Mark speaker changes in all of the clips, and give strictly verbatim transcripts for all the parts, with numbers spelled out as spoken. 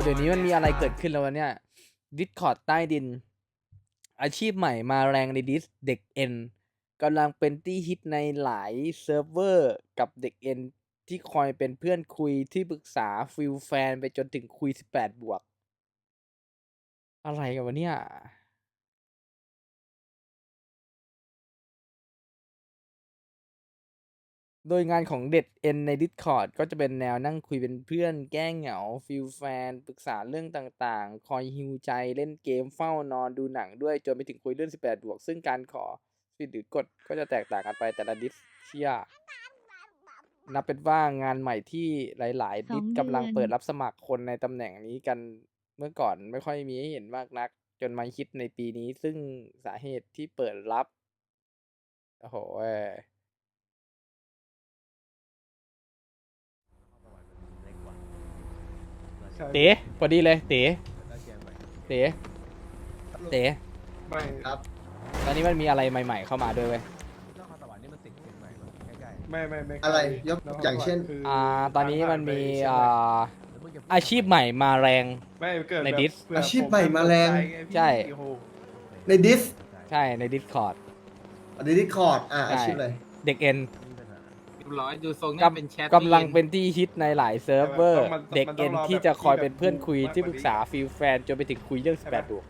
Speaker 1: เดี๋ยวนี้มันมีอะไรเกิดขึ้นแล้ววะเนี่ย Discord ใต้ดิน อาชีพใหม่มาแรงในดิสเด็กเอ็นกำลังเป็นที่ฮิตในหลายเซิร์ฟเวอร์กับเด็กเอ็นที่คอยเป็นเพื่อนคุยที่ปรึกษาฟิลแฟนไปจนถึงคุยสิบแปดบวก อะไรกันวะเนี่ย โดยงานของเด็ดเอ็นใน Discord ก็จะเป็นแนวนั่งคุยเป็นเพื่อนแก้เหงาฟิลแฟนปรึกษาเรื่องต่างๆ คอยฮิวใจเล่นเกมเฝ้านอนดูหนังด้วยจนไปถึงคุยเรื่องสิบแปดบวกซึ่งการขอสิทธิ์หรือกดก็จะแตกต่างกันไปแต่ละดิสเชียนับเป็นว่างานใหม่ที่หลายๆดิสกำลังเปิดรับสมัครคนในตำแหน่งนี้กันเมื่อก่อนไม่ค่อยมีให้เห็นมากนักจนมาคิดในปีนี้ซึ่งสาเหตุที่เปิดรับโอ้โหเต๋พอดีเลยเต๋เต๋เต๋
Speaker 2: ไม่ครับ
Speaker 1: ตอนนี้มันมีอะไรใหม่ๆเข้ามาด้วยเว้ย
Speaker 2: ไม่ไม่ไม่
Speaker 3: อะไรยกอย่างเช่น
Speaker 1: อ่า ตอนนี้มันมีอ่าอาชีพใหม่มาแรง
Speaker 2: ไม่เกิด
Speaker 1: ใน
Speaker 2: แบบ
Speaker 1: ดิส
Speaker 2: เผื่
Speaker 3: อาชีพใหม่มาแรง
Speaker 1: ใช่
Speaker 2: โอ้โห
Speaker 3: ในดิส
Speaker 1: ใช่ ใน Discord
Speaker 3: ในดิสคอร์ดอ่ะอาชีพอะไร
Speaker 1: เด็กเอ็น
Speaker 4: ร้อยดูทรง
Speaker 1: ก
Speaker 4: น่าเป็นแชท
Speaker 1: ำกำลังเป็นที่ฮิตในหลายเซิร์ฟเวอร์ เด็กเอ็นที่จะคอยเป็นเพื่อนคุยที่ปรึกษาฟิลแฟนจนไปถึงคุยเรื่องสิบแปดบวก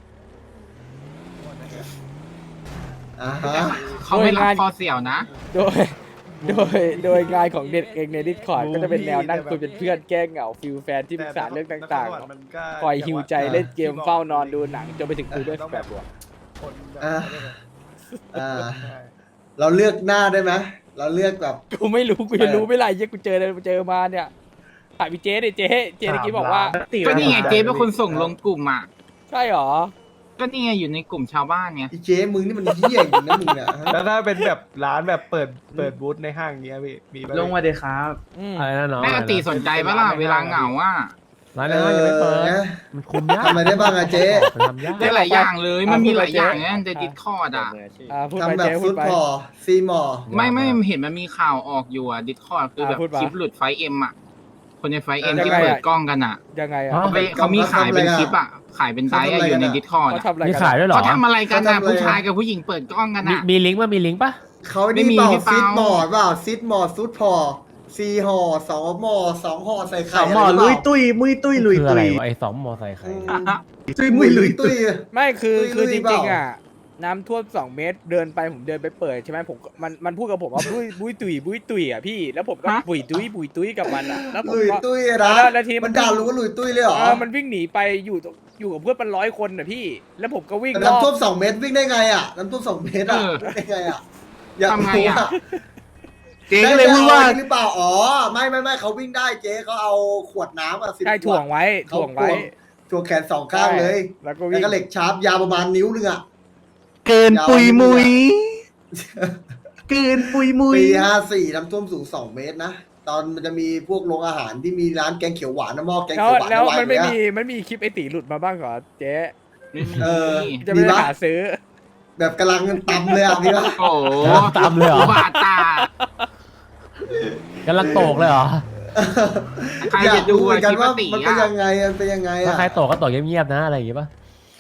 Speaker 3: อ่าฮะ
Speaker 4: เขาไม่รับคอเสี่ยวนะ
Speaker 1: โดย โดย โดยงานของเด็กเอ็นใน Discord ก็จะเป็นแนวนั่งคุยเป็นเพื่อนแก้เหงาฟิลแฟนที่ปรึกษาเรื่องต่าง ๆ คอยฮิวใจเล่นเกมเฝ้านอนดูหนังจนไปถึงคุยเรื่องสิบแปดบวก
Speaker 2: คนแบบ
Speaker 3: อ่า
Speaker 2: ไม่ได้แบบ
Speaker 3: อ่า
Speaker 2: ใช่
Speaker 3: เราเลือกหน้าได้ไหมเราเลือกแบบ
Speaker 1: กูไม่รู้กูจะรู้ไม่ไรเหี้ยกูเจอเลยเจอมาเนี่ยถามพี่เจ๊ดิเจ๊เจ๊เมื่อกี้บอกว่า
Speaker 4: ก็นี่ไงเจ๊เป็นคนส่งลงกลุ่มอ่ะ
Speaker 1: ใช่หรอ
Speaker 4: ก็นี่ไงอยู่ในกลุ่มชาวบ้านไง
Speaker 3: อีเจ๊มึงนี่มันเหี้ยจริงนะมึงเนี่ยฮะ
Speaker 2: แล้วถ้าเป็นแบบร้านแบบเปิดเปิดบูธในห้างเงี้ยพี่มีไหม
Speaker 5: ลงมาเลยครับ
Speaker 1: อืม
Speaker 5: อะไรนะน้อง
Speaker 4: แม่กติสนใจปะล่ะเวลาเหงาอ่ะ
Speaker 5: ร้านนั้นยังไม่เปิด
Speaker 3: นะ
Speaker 5: มันคุมยาก
Speaker 3: ทำอะไรได้บ้างอะเจ๊
Speaker 5: มันทำยาก
Speaker 4: ได้หลายอย่างเลยมันมีหลายอย่างนะในดิสคอร์ดอ่ะ
Speaker 1: อ่าพูดไป
Speaker 3: ทำแบบ
Speaker 1: เจ๊พู
Speaker 3: ฟุ
Speaker 1: ด
Speaker 3: ต
Speaker 1: ไป
Speaker 3: พอซีมอ
Speaker 4: ไม่ไม่เห็นมันมีข่าวออกอยู่อ่ะดิสคอร์ดคือแบบ
Speaker 1: อ่าพูดมา
Speaker 4: คลิปหลุดไฟเอ็มอ่ะคนในไฟเอ็ม
Speaker 1: เออ
Speaker 4: ที่
Speaker 1: ยังไงอะ
Speaker 4: เปิดกล้องกันอ่ะ
Speaker 1: ยังไงอ่ะ
Speaker 5: ฮะ
Speaker 4: เขาไปเขามีขายเป็นคลิปอ่ะขายเป็นไดร์อะอยู่ในดิสคอร์ด
Speaker 1: เขา
Speaker 4: อ่ะ
Speaker 1: ทำอะไร
Speaker 5: มี
Speaker 1: กัน
Speaker 5: ขายด้วยเหรอ
Speaker 4: เขาทำอะไรกันนะผู้ชายกับผู้หญิงเปิดกล้องกัน
Speaker 5: มี
Speaker 4: อ่ะ
Speaker 5: มีลิงก์ป่ะมีลิงก์ป่ะ
Speaker 3: เขา
Speaker 4: ไม่
Speaker 3: นี่
Speaker 4: มี
Speaker 3: เปล่า
Speaker 4: พี่เปา
Speaker 3: ซิดมอร์เปล่าซิดมอร์ซุดพอซีห่อสองหมอสองห่อใส่ไข่
Speaker 5: สองหม้อ
Speaker 3: อะไร
Speaker 5: ลุย
Speaker 3: เปล่า
Speaker 5: ตุ้ยมุยตุ้ยลุยตุ้ยอะไรวะไอ้สองหมอใส่ไข่
Speaker 3: อืมตุ้ยมุยลุยตุ้ย
Speaker 1: ไม่คือ
Speaker 3: ลุย
Speaker 1: คือ
Speaker 3: ลุ
Speaker 1: จ
Speaker 3: ยเป
Speaker 1: ริ
Speaker 3: ล่า
Speaker 1: งๆอ่ะน้ำท่วมสองเมตรเดินไปผมเดินไปเปิดใช่ไหมผมมันมันพูดกับผมว่าบุ้ยบุ้ยตุยบุ้ยตุยอ่ะพี่แล้วผมก็
Speaker 4: ฮะ
Speaker 1: บุ้ยตุยบุ้ยตุยกับมันอ่ะแล้วผม
Speaker 3: ลุย
Speaker 1: ก็
Speaker 3: ตุ้ยนะ
Speaker 1: แล้วแล้วทีมัน
Speaker 3: มันด่ารู้ว่าลุยตุ้ยเลยเหรอ
Speaker 1: เออมันวิ่งหนีไปอยู่ตรงอยู่กับเพื่อนเป็นร้อยคนน่ะพี่ แล้วผมก็วิ่ง
Speaker 3: แต่
Speaker 1: รอบ
Speaker 3: น้ำท่วมสองเมตรวิ่งได้ไงอ่ะน้ำท่วมสองเมตรอ่ะ
Speaker 4: เออ
Speaker 3: วิ่งได้ไงอ่ะอยาก
Speaker 4: ทำไง
Speaker 3: รู้
Speaker 4: อะ
Speaker 3: อ่ะ
Speaker 4: เจ๊ก็เลยพูดว่า
Speaker 3: หรือเปล่าอ๋อไม่ไม่ไม่เขาวิ่งได้เจ๊เขาเอาขวดน้ำอ่ะสิบ
Speaker 1: ใช่
Speaker 3: ข
Speaker 1: ถ่
Speaker 3: ว
Speaker 1: ว
Speaker 3: ด
Speaker 1: งไว้
Speaker 3: เขา
Speaker 1: ถ่วงไว้
Speaker 3: ถ่วงแขนสองข้างเลย
Speaker 1: ใช่แล้วก็
Speaker 3: แล้ว
Speaker 1: วิ่ง
Speaker 3: ก็เหล็กชาร์ปยาวประมาณนิ้วนึงอ่ะ
Speaker 5: เกินปุยมุย
Speaker 3: ยาว
Speaker 5: เกินปุยมุย
Speaker 3: ปีห้าสี่น้ำท่วมสูงสองเมตรนะตอนมันจะมีพวกโรงอาหารที่มีร้านแกงเขียวหวานน้ำหม้อแกง
Speaker 1: แล้ว
Speaker 3: เขียวหวาน
Speaker 1: แล้ว
Speaker 3: วาง
Speaker 1: มันไม่
Speaker 3: อยู่
Speaker 1: มี
Speaker 3: เย
Speaker 1: มันมีคลิปไอตีหลุดมาบ้างเหรอเจ๊
Speaker 3: เออ
Speaker 1: จะไม่ได้หาซื้อ
Speaker 3: แบบกำลังตำเลยอ่ะพี่ว่า
Speaker 4: โอ้โห
Speaker 5: ตามเลยเหรอ
Speaker 4: บาดตาก
Speaker 5: ำลังโตกเลยเหรอ
Speaker 4: ใคร
Speaker 3: อยา
Speaker 4: จะ
Speaker 3: ก
Speaker 4: ดู
Speaker 3: รู้เหมือนกันว่า
Speaker 4: คลิป
Speaker 3: มัน
Speaker 4: ป
Speaker 3: เป็น
Speaker 4: กติอะ
Speaker 3: ยังไงมันเป็นยังไง
Speaker 5: ถ้า
Speaker 3: อ่ะ
Speaker 5: ใครโตกก็โตกเงียบๆนะอะไรอย่างงี้ป่ะ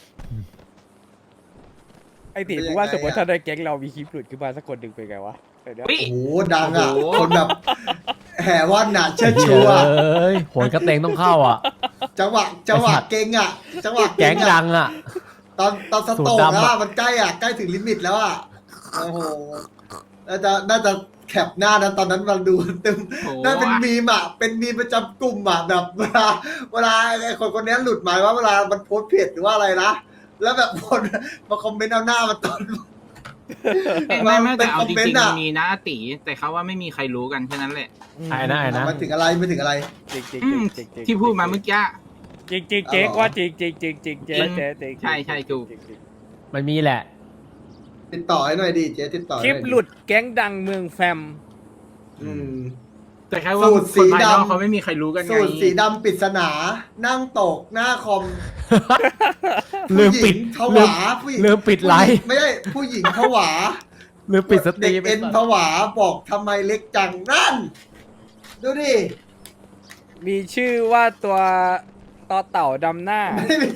Speaker 1: ไอตี
Speaker 3: เป็นยังไง
Speaker 1: กูว่าสมมติ
Speaker 3: อะ
Speaker 1: ถ้าในแก๊งเรามีคลิปหลุดขึ้นมาสักคนหนึ่งเป็นไงวะเดี๋ยว
Speaker 4: เฮ้ย
Speaker 3: โอ้โหดังอ่ะ
Speaker 4: โอ้โห
Speaker 3: คนแบบแห่ว่านหนาเชิดชู
Speaker 5: เฮ้
Speaker 3: อ่ะ
Speaker 5: ยโหนกระเตงต้องเข้าอ่ะ
Speaker 3: จังหวะจังหวะเก่งอ่ะจังหวะ
Speaker 5: แก๊
Speaker 3: เก่
Speaker 5: ง
Speaker 3: ง
Speaker 5: ดั
Speaker 3: อ่ะ
Speaker 5: งอ่ะ
Speaker 3: ตอนตอนส
Speaker 5: สู
Speaker 3: โต
Speaker 5: ตร
Speaker 3: ก
Speaker 5: ดำ
Speaker 3: แล้ว
Speaker 5: อะ
Speaker 3: อะมันใกล้อ่ะใกล้ถึงลิมิตแล้วอ่ะโอ้โหน่าจะน่าจะแคปหน้านะตอนนั้นมันดูตึม
Speaker 4: โอ้โห
Speaker 3: น่าเป็นมีมอ่ะเป็นมีมประจำกลุ่มอ่ะแบบเวลาเวลาไอ้คนคนนี้หลุดหมายว่าเวลามันโพสต์เพจหรือว่าอะไรนะแล้วแบบคนมาคอมเมนต์เอาหน้ามันตอน
Speaker 4: ไม่ไม่แต่เอา
Speaker 3: เป็นคอม
Speaker 4: จ
Speaker 3: เมน
Speaker 4: ริ
Speaker 3: ต์
Speaker 4: งๆ
Speaker 3: อะ
Speaker 4: มันมีนะตีแต่เขาว่าไม่มีใครรู้กันแค่นั้นแหละ
Speaker 1: ๆ
Speaker 5: ไอ้นะไอ้นะ
Speaker 3: ไม่ถึงอะไรไม่ถึงอะไร
Speaker 1: จริงจริง
Speaker 4: อืม
Speaker 1: จริงจริง
Speaker 4: ที่พูดมาเมื่อกี้
Speaker 1: จริงจริงเจ๊กว่าจริงจริงจริงจริงเจ๊เจ๊จริง
Speaker 4: ใช่ใช่ถูก
Speaker 1: จริงจริง
Speaker 5: มันมีแหละ
Speaker 3: ติดต่อให้หน่อยดิเจ๊ติดต่อ
Speaker 1: คลิป
Speaker 3: ใน่อย
Speaker 1: หลุดแก๊งดังเมืองแฟม
Speaker 3: อืม
Speaker 4: แต่แค่ว่า
Speaker 3: สูตรสี
Speaker 4: คนภายนอก
Speaker 3: ดำ
Speaker 4: เขาไม่มีใครรู้กันไง
Speaker 3: สูตรสีดำปริศนา นั่งตกหน้าคอม
Speaker 5: ลืมปิด
Speaker 3: ผู้หญิงผวาผู้หญิง
Speaker 5: ลืมปิดไลฟ์
Speaker 3: ไม่ใช่ผู้หญิงผวา
Speaker 5: ลืมปิดสต
Speaker 3: เด็
Speaker 5: รี
Speaker 3: ก
Speaker 5: ม
Speaker 3: เอ็นผวาบอกทำไมเล็กจังนั่น ดูดิ
Speaker 1: มีชื่อว่าตัวต่อเต่าดำหน้า
Speaker 3: ไม่มี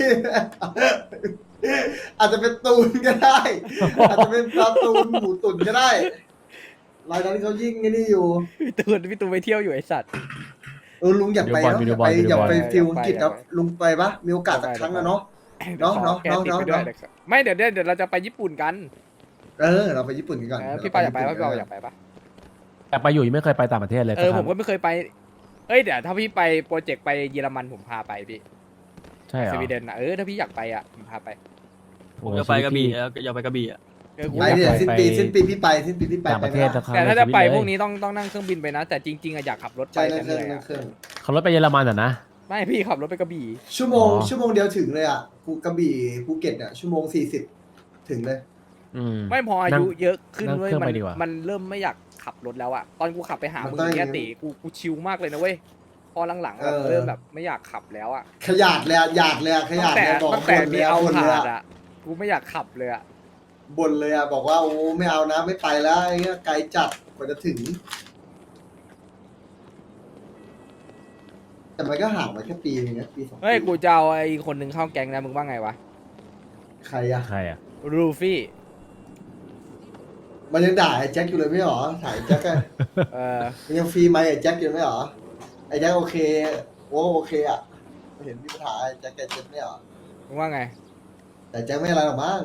Speaker 3: อาจจะเป็นตูนก็ได้ อาจจะเป็นปลาตูนหมูตุ๋นก็ได้รายนั้นเขายิ่งไอ้นี่อยู่
Speaker 1: พี่ตูนพี่ตูนไปเที่ยวอยู่ไอสัตว์
Speaker 3: เออลุงอยากไปเนาะอยากไปอยากไปฟิลอังกฤษครับลุงไปปะมีโอกาสสักครั้งอะเนาะ เนาะ
Speaker 1: ขอ
Speaker 3: เนาะ
Speaker 1: แก
Speaker 3: เนาะ
Speaker 1: ติดไป
Speaker 3: เนาะ
Speaker 1: ด้วยนะครับไม่เดี๋ยวเดี๋ยวเดี๋ยวเราจะไปญี่ปุ่นกัน
Speaker 3: เออเราไปญี่ปุ่นกันก่อน
Speaker 1: เออพี่ปาอยากไปปะพี่ปาอยากไปปะ
Speaker 5: แต่ไปอยู่ยังไม่เคยไปต่างประเทศเลย
Speaker 1: เออ
Speaker 5: สักค
Speaker 1: ผ
Speaker 5: รั้
Speaker 1: ม
Speaker 5: ง
Speaker 1: ก็ไม่เคยไปเอ้ยเดี๋ยวถ้าพี่ไปโปรเจกต์ไปเยอรมันผมพาไปพี่
Speaker 5: ใช่เหร
Speaker 1: ส
Speaker 5: อ
Speaker 1: วีเดนนะเออถ้าพี่อยากไปอ่ะผมพาไป
Speaker 6: ผมจะไปกระบี่แล้วอยากไปกระบี่อ่ะ
Speaker 1: เออกู
Speaker 3: ไป
Speaker 1: อยาก
Speaker 3: เนี่ย
Speaker 1: ไป
Speaker 3: สิ้นปีสิ้นปีพี่ไปสิ้นปีพี่ไป
Speaker 5: ต่างประเทศสักครั้ง
Speaker 1: แต่ถ้าจะไป
Speaker 5: ในชีต
Speaker 1: พวก
Speaker 5: เลย
Speaker 1: นี้ต้องต้องนั่งเครื่องบินไปนะ แต่จริงๆอะอยากขับรถไป
Speaker 3: ใช่
Speaker 1: แต่
Speaker 3: นั่ง
Speaker 1: เห
Speaker 3: เครื่อง
Speaker 1: นื่อย
Speaker 3: นั่ง
Speaker 1: อะ
Speaker 3: เครื่อง
Speaker 5: เขารถไปเยอรมันอ่ะนะ
Speaker 1: ไม่พี่ขับรถไปกระบี่
Speaker 3: ชั่วโมง
Speaker 5: อ๋อ
Speaker 3: ชั่วโมงเดียวถึงเลยอ่ะภูกระบี่ภูเก็ตเนี่ยชั่วโมงสี่สิบถึงเลย
Speaker 5: อืม
Speaker 1: ไม่พออายุ
Speaker 5: นั่ง
Speaker 1: เยอะขึ้น
Speaker 5: นั่ง
Speaker 1: เว้ย
Speaker 5: เครื่อง
Speaker 1: มั
Speaker 5: ไป
Speaker 1: น
Speaker 5: ดีกว่ามั
Speaker 1: มันเริ่มไม่อยากขับรถแล้วอะตอนกูขับไปหา
Speaker 3: มัน
Speaker 1: มึง
Speaker 3: ต้อง
Speaker 1: เนี่ย
Speaker 3: อย่างนี้
Speaker 1: ติกูกูชิลมากเลยนะเว้ยพอหลังๆแบบ
Speaker 3: เออ
Speaker 1: เริ่มแบบไม่อยากขับแล้วอะ
Speaker 3: ขยาดเลยอะหยาดเลยอะข
Speaker 1: ตั้
Speaker 3: ยาง ด
Speaker 1: แต่
Speaker 3: เลยบอก
Speaker 1: ตั้งแต่
Speaker 3: บ่นเล
Speaker 1: มี
Speaker 3: ยอะ
Speaker 1: เอา
Speaker 3: บ่นเลย
Speaker 1: ผ่าน
Speaker 3: อะ
Speaker 1: อะกูไม่อยากขับเลยอะ
Speaker 3: บ่นเลยอะบอกว่าโอ้ไม่เอานะไม่ไปแล้วไอ้เงี้ยไกลจัดกว่าจะถึง แต่มันก็ห่างมาแค่ปีนึงนะปีสองปี
Speaker 1: เฮ้ยกูจะเอาไอ้คนหนึ่งเข้าแก๊งนะมึงว่าไงวะ
Speaker 3: ใครอะ
Speaker 5: ใครอ่ะ
Speaker 1: รูฟี่
Speaker 3: มันยังด่าไอ้แจ็คอยู่เลยไม่หรอถ่ายแจ็คอะ
Speaker 1: เออ
Speaker 3: มันยังฟรีไหมค์ไอ้แจ็คอยู่ไม่หรอไอ้แจ็คโอเคโอ้โอเคอะเห็นพี่ปัญหาไอ้แจ็คแกเจ็บไม่หรอ
Speaker 1: มึงว่าไง
Speaker 3: แต่แจ็คไม่อะไรหรอกมั้ง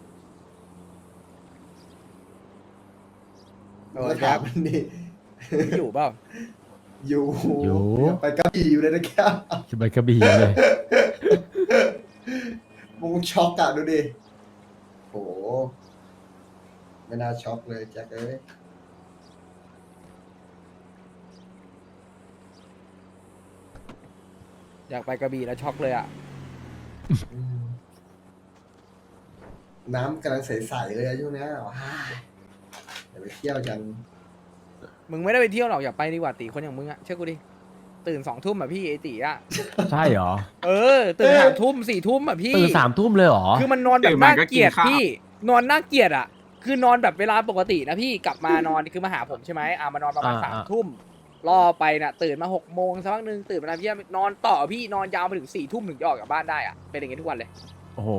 Speaker 1: เออ
Speaker 3: ก็
Speaker 1: แจ็
Speaker 3: ถา
Speaker 1: ค
Speaker 3: มมันดิ
Speaker 1: อยู่เปล่า
Speaker 3: อยู่
Speaker 5: อยู่
Speaker 3: ไปกระบี่อยู่เลยนะแก
Speaker 5: จะไปกระบี่เลย
Speaker 3: มึงช็อกอะดูดิโหไม่น่าช็อกเลยแจ็คเอ้ย
Speaker 1: อยากไปกระบี่แล้วช็อกเลยอะ
Speaker 3: อืมน้ำกำลังใสๆเลยอะช่วงเนี้ยว้ายเดี๋ยวไปเที่ยวกัน
Speaker 1: มึงไม่ได้ไปเที่ยวหรอกอยากไปดีกว่าตีคนอย่างมึงอะเชื่อกูดิตื่นสองทุ่มอะพี่ไอตีอะ
Speaker 5: ใช่เหรอ
Speaker 1: เออตื่นสามทุ่มสี่ทุ่มอะพี่
Speaker 5: ตื่นสามทุ่มเลยเหรอ
Speaker 1: คือมันนอนแบ
Speaker 4: ตื่
Speaker 1: บ
Speaker 4: นมา
Speaker 1: น่า
Speaker 4: ก็กิน
Speaker 1: เกลียด
Speaker 4: ข้าว
Speaker 1: พี่ นอนน่าเกลียดอ่ะ คือนอนแบบเวลาปกตินะพี่กลับมานอนคือมาหาผมใช่ไหมอ่ามานอนประมาณ
Speaker 5: อ่า
Speaker 1: สาม
Speaker 5: อ่า
Speaker 1: ทุ่มรอไปน่ะตื่นมาหกโมงสักพักหนึ่งตื่นมาพี่นอนต่อพี่นอนยาวไปถึงสี่ทุ่มถึงจะออกจากบ้านได้อ่ะเป็นอย่างงี้ทุกวันเลย
Speaker 5: โอ้โห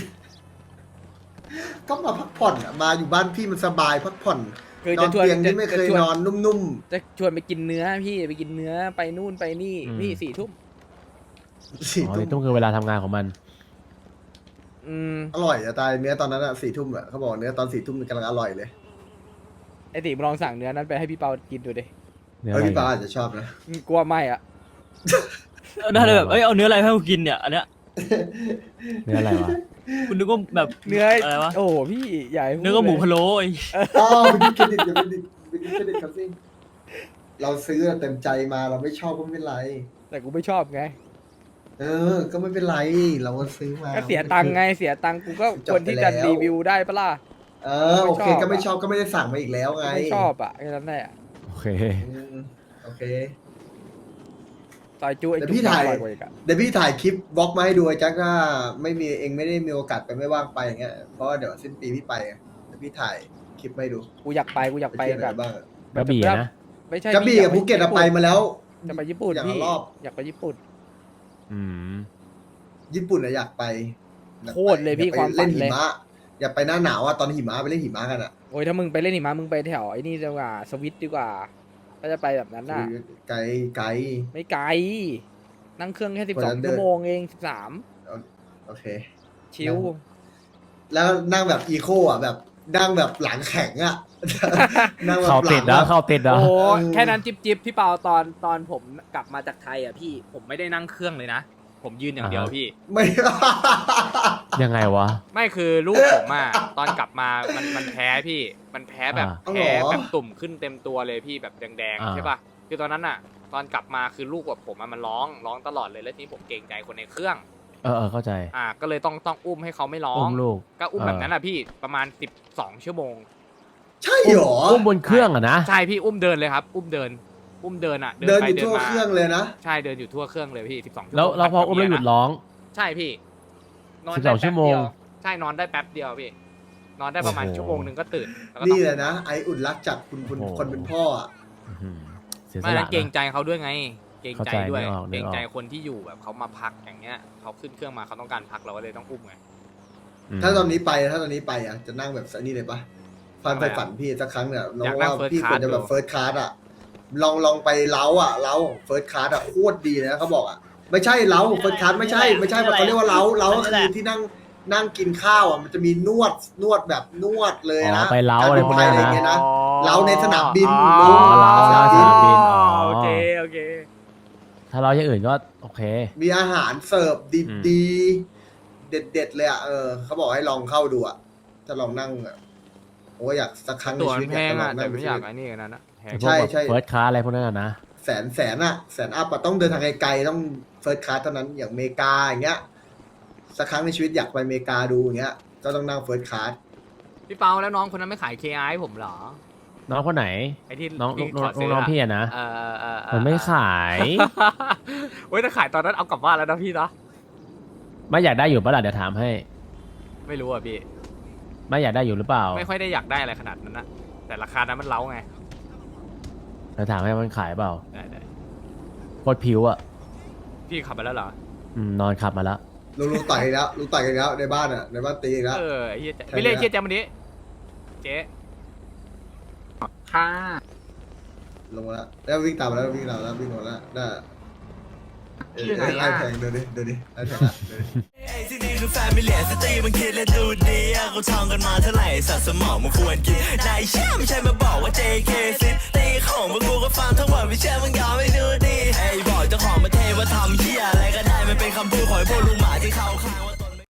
Speaker 3: ก็มาพักผ่อนอะมาอยู่บ้านพี่มันสบายพักผ่อน
Speaker 1: คือน
Speaker 3: อ
Speaker 1: จะ
Speaker 3: น
Speaker 1: ชวน
Speaker 3: เตียง
Speaker 1: จะ
Speaker 3: ที่ไม่เค
Speaker 1: จะ
Speaker 3: ย
Speaker 1: ชวน
Speaker 3: นอนนุ่ม
Speaker 1: จะชวนไปกินเนื้อพี่ไปกินเนื้อไปนู่นไปนี่
Speaker 5: อืม
Speaker 1: พี่สี่ทุ่ม
Speaker 3: ๆสี่
Speaker 5: อ๋อ
Speaker 3: ทุ่
Speaker 5: นี่
Speaker 3: ม
Speaker 5: ต้องคือเวลาทำงานของมัน
Speaker 1: อืม
Speaker 3: อร่อยอะตายเนื้อตอนนั้นอะสี่ทุ่มอะเขาบอกเนื้อตอนสี่ทุ่มกำลังอร่อยเลย
Speaker 1: ไอตีมึงลองสั่งเนื้อนั้นไปให้พี่เปากินดูดิ
Speaker 5: เนี่ย
Speaker 3: เฮ้
Speaker 5: อะ
Speaker 3: ย
Speaker 5: ไร
Speaker 3: พี่ปาอาจจะชอบนะ
Speaker 1: อืมกลัวไม่อ่ะ
Speaker 6: ได้เลยแบบเอ้ยเอาเนื้ออะไรให้กูกินเนี่ยอันเนี้ย
Speaker 5: เนื้ออะไรวะ
Speaker 6: คุณนึกว่าแบบ
Speaker 1: เนื้อ
Speaker 6: อะไรวะ
Speaker 1: โอ้โหพี่ใหญ่
Speaker 6: เนื้อก็หมูพะโล้ไอ้
Speaker 3: อ้าวไปกินเครดิตอย่าไปดิไปกินเครดิตครับสิเราซื้อเต็มใจมาเราไม่ชอบก็ไม่เป็นไร
Speaker 1: แต่กูไม่ชอบไง
Speaker 3: เออ ก็ไม่เป็นไร เราก็ซื้อมา
Speaker 1: ก็เสียตังค์ไงเสียตังค์กูก็
Speaker 3: จบ
Speaker 1: ควรที่
Speaker 3: ไป
Speaker 1: จะ
Speaker 3: แล้ว
Speaker 1: รีวิวได้ปะล่ะ
Speaker 3: เออโอเค
Speaker 1: ไม่ชอบ
Speaker 3: ก็ไม่ชอบก็ไม่ได้สั่งมาอีกแล้วไง
Speaker 1: ไม่ชอบอ่ะแค่นั้นแหละ
Speaker 5: โอเค
Speaker 3: อืมโอเค
Speaker 1: ซอยจูไอ้
Speaker 3: แต่
Speaker 1: จุ๊
Speaker 3: พี่
Speaker 1: บ
Speaker 3: ถ่าย
Speaker 1: อร่อยกว่าอีกอะ
Speaker 3: เดี๋ยวพี่ถ่ายคลิปบล็อกมาให้ดูไอ้แจ็คว่าไม่มีเองไม่ได้มีโอกาสไปไม่ว่างไปอย่างเงี้ยเพราะว่าเดี๋ยวสิ้นปีพี่ไปไงเดี๋ยวพี่ถ่ายคลิปมาให้ดู
Speaker 1: กูอยากไปกูอยาก
Speaker 3: ไป
Speaker 1: ไป
Speaker 3: เที่ยวไห
Speaker 1: กับ
Speaker 3: นบ้างอะ
Speaker 5: กระบี่อะนะ
Speaker 1: ไม่ใช่
Speaker 3: กระบี่
Speaker 1: พี่
Speaker 3: กับภูเก็ตอะไปมาแล้ว
Speaker 1: จะไปญี่ปุ่น
Speaker 3: อย่างละ
Speaker 1: พี่
Speaker 3: รอบ
Speaker 1: อยากไปญี่ปุ่น
Speaker 5: อืม
Speaker 3: ญี่ปุ่นอะอยากไปอยากไป
Speaker 1: โคตรเลยพี่
Speaker 3: อไป
Speaker 1: ความฝัน
Speaker 3: เล่นหิ
Speaker 1: เลย
Speaker 3: มะอยากไปหน้าหนาวอะตอนหิมะไปเล่นหิมะกันอะ
Speaker 1: โอ้ยถ้ามึงไปเล่นหิมะมึงไปแถวไอ้นี่ดีกว่าสวิตดีกว่าก็จะไปแบบนั้นน่ะ
Speaker 3: ไกลไกล
Speaker 1: ไม่ไกล นั่งเครื่องแค่สิบ
Speaker 3: คน
Speaker 1: สอ
Speaker 3: ละ
Speaker 1: ง
Speaker 3: เดือน
Speaker 1: ชั่วโมงเองสิบสาม
Speaker 3: โอเค
Speaker 1: ชิว
Speaker 3: แล้วนั่งแบบอีโคอ่ะแบบนั่งแบบหลังแข็งอ่ะ นั่งแบบ
Speaker 5: เข้า
Speaker 3: หลั
Speaker 5: ติด
Speaker 3: ง
Speaker 5: นะ
Speaker 3: แบบ
Speaker 5: เข้าติดนะ
Speaker 1: โอ้
Speaker 3: เออ
Speaker 1: แค่นั้นจิบจิบพี่เปาตอนตอนผมกลับมาจากไทยอ่ะพี่ผมไม่ได้นั่งเครื่องเลยนะ ผมยืนอย่างเดียวพี่
Speaker 3: ไม่
Speaker 5: ยังไงวะ
Speaker 1: ไม่คือลูกผมอ่ะ ตอนกลับมามันมันแพ้พี่ มันแพ้แบบ
Speaker 5: อ่า
Speaker 1: แพ้แบบตุ่มขึ้นเต็มตัวเลยพี่แบบแดง
Speaker 5: อ่า
Speaker 1: ๆใช่ป่ะคือตอนนั้นอ่ะ ตอนกลับมาคือลูกแบบผมอะมันร้องร้องตลอดเลยแล้วทีนี้ผมเกรงใจคนในเครื่อง
Speaker 5: เออเออเข้าใจ
Speaker 1: อ่า ก็เลยต้องต้องอุ้มให้เขาไม่ร้อ
Speaker 5: อุ้
Speaker 1: ง
Speaker 5: มลูก
Speaker 1: ก็อุ้มแบบนั้นอ่ะพี่ประมาณสิบสองชั่วโมง
Speaker 3: ใช่เหรอ
Speaker 5: อุ้มบนเครื่องอะนะ
Speaker 1: ใช่พี่อุ้มเดินเลยครับ อุ้มเดิน อุ้มเดินอ่ะ
Speaker 3: เดิน
Speaker 1: ไป
Speaker 3: อยู่ทั่ว
Speaker 1: มา
Speaker 3: เครื่องเลยนะ
Speaker 1: ใช่เดินอยู่ทั่วเครื่องเลยพี่สิบสองชั่วโมง
Speaker 5: แล้วเราพออุ้มแล้วหยุดร้อง
Speaker 1: ใช่พี่นอน
Speaker 5: สิบส
Speaker 1: ได้
Speaker 5: อง
Speaker 1: แป๊บ
Speaker 5: ชั่วโม
Speaker 1: เดี
Speaker 5: ง
Speaker 1: ยวใช่นอนได้แป๊บเดียวพี่ นอนได้ประมาณ
Speaker 5: โอ้โห
Speaker 1: ชั่วโมงหนึ่งก็ตื่นแล้วก็ต้
Speaker 3: นี่
Speaker 1: อง
Speaker 3: แหละนะไออุ่นรักจากคุณคุณ
Speaker 5: โอ้โห
Speaker 3: คนเป็นพ่ออ่ะ
Speaker 5: อื้อหือเสียส
Speaker 1: ไม่
Speaker 5: ละ
Speaker 1: นั้นเกรง
Speaker 5: นะ
Speaker 1: ใจเขาด้วยไง เเกรง
Speaker 5: เข้า
Speaker 1: ใจ
Speaker 5: ใจ
Speaker 1: ด้วย
Speaker 5: นึกออก
Speaker 1: เก
Speaker 5: นึ
Speaker 1: ร
Speaker 5: ก
Speaker 1: ง
Speaker 5: ออก
Speaker 1: ใจคนที่อยู่แบบเขามาพักอย่างเงี้ยเขาขึ้นเครื่องมาเขาต้องการพักเราก็เลยต้องอุ้มไง
Speaker 5: อืม
Speaker 3: ถ้าตอนนี้ไปถ้าตอนนี้ไปอ่ะจะนั่งแบบนี่เลยปะฟันไปฝันพี่สักครั้งเนี่ยน้องว่าพี่ควรจะแบบเฟิร์สคลาสอ่ะลองลองไปเล้าอ่ะเล้าเฟิร์สคลาสอ่ะโคตรดีนะเขาบอกอ่ะไม่ใช่เล้าเฟิร์สคลาสไม่ใช่ไม่ใช่แบบเขาเรียกว่าเล้าเล้าก็คือที่นั่งนั่งกินข้าวอ่ะมันจะมีนวดนวดแบบนวดเลย
Speaker 5: อ๋อ
Speaker 3: นะ
Speaker 5: ไปเล้าอะไรพวก
Speaker 3: ก
Speaker 5: นี้
Speaker 3: อะไร
Speaker 5: นะ
Speaker 3: เงี้ยนะเล้าในสนามบิน
Speaker 1: อ๋อ
Speaker 3: ลุง
Speaker 5: เล้าสนามบินอ๋อ
Speaker 1: โอเคโอเค
Speaker 5: ถ้าเราอย่างอื่นก็โอเค
Speaker 3: มีอาหารเสิร์ฟ
Speaker 5: อืม
Speaker 3: ดีๆเด็ดๆเลยอ่ะเออเขาบอกให้ลองเข้าดูอ่ะถ้าลองนั่งอ่ะโอ้ยอยากสักครั้งใน
Speaker 1: ตั๋ว
Speaker 3: ชี
Speaker 1: มั
Speaker 3: วิต
Speaker 1: นแพง
Speaker 3: ล
Speaker 1: อ่ะ
Speaker 3: ง
Speaker 1: แต่
Speaker 3: นั่ง
Speaker 1: ไม่
Speaker 3: ใน
Speaker 1: อ
Speaker 3: ชี
Speaker 1: ยาก
Speaker 3: วิต
Speaker 1: ไอ้นี่กันนะแพง
Speaker 5: ไอ้พวกแบบ
Speaker 3: ใช่
Speaker 5: เฟิร์สคลาสอะไรพวกนั้นอะนะ
Speaker 3: แสนแสนอะแสนอัพอะต้องเดินทางไกลๆต้องเฟิร์สคลาสเท่านั้นอย่างอเมริกาอย่างเงี้ยสักครั้งในชีวิตอยากไปอเมริกาดูอย่างเงี้ยก็ต้องนั่งเฟิร์สคลาส
Speaker 1: พี่เปาแล้วน้องคนนั้นไม่ขาย เค ไอ ให้ผมเหรอ
Speaker 5: น้องคนไหน
Speaker 1: ไอ้ที่
Speaker 5: น้อง
Speaker 1: พี่
Speaker 5: น้อง
Speaker 1: ขซื้
Speaker 5: น้องพี่อะนะ
Speaker 1: เออเออเออเออ
Speaker 5: มันไม่ขาย
Speaker 1: เว้ยถ้าขายตอนนั้นเอากลับบ้านแล้วนะพี่เนาะ
Speaker 5: ไม่อยากได้อยู่ปะล่ะเดี๋ยวถามให้
Speaker 1: ไม่รู้อ่ะพี่
Speaker 5: ไม่อยากได้อยู่หรือเปล่า
Speaker 1: ไม่ค่อยได้อยากได้อะไรขนาดนั้นนะแต่ราคานั้นมันเล้าไง
Speaker 5: เดี๋ยวถามให้มันขายเปล่า
Speaker 1: ได้ได้
Speaker 5: โคตรผิวอะ
Speaker 1: พี่ขับไปแล้วเหรอ
Speaker 5: อืมนอนขับมาแล้ว
Speaker 3: ลุงลุงต่อยอีกแล้วลุงต่อยอีกแล้วในบ้านอะในบ้านตีอีกแล้ว
Speaker 1: เออไอ้เหี้ยแจ๊
Speaker 3: ใช่
Speaker 1: ไม่เรียก
Speaker 3: แล้ว
Speaker 1: เหี้ยแจ๊มันนี้เจ๊
Speaker 4: ค่ะ
Speaker 3: ลงมาแล้วแล้ววิ่งตามมาแล้ววิ่งตามมาแล้ววิ่งมาแล้วได้เออ
Speaker 4: อยู่ไหน
Speaker 3: ไอ้
Speaker 4: อะ
Speaker 3: แพงเดี๋ยวดิเดี๋ยวดิไอ้แพงอะเดี๋ยวดิ
Speaker 7: ไอ้ที่นี่คือแฟมิเลียสตรีมันคิดและดูดีอะกูท่องกันมาเท่าไหร่สัตว์สมองมันควรกินนายเชื่อไม่ใช่มาบอกว่า เจ เค ซิตีของมึงกูก็ฟังทั้งหมดไม่เชื่อมึงยอมไม่ดูดีไอ้บอกเจ้าของประเทศว่าทำเหี้ยอะไรก็ได้มันเป็นคำพูดของไอ้พวกลุงหมาที่เข้าข้างว่า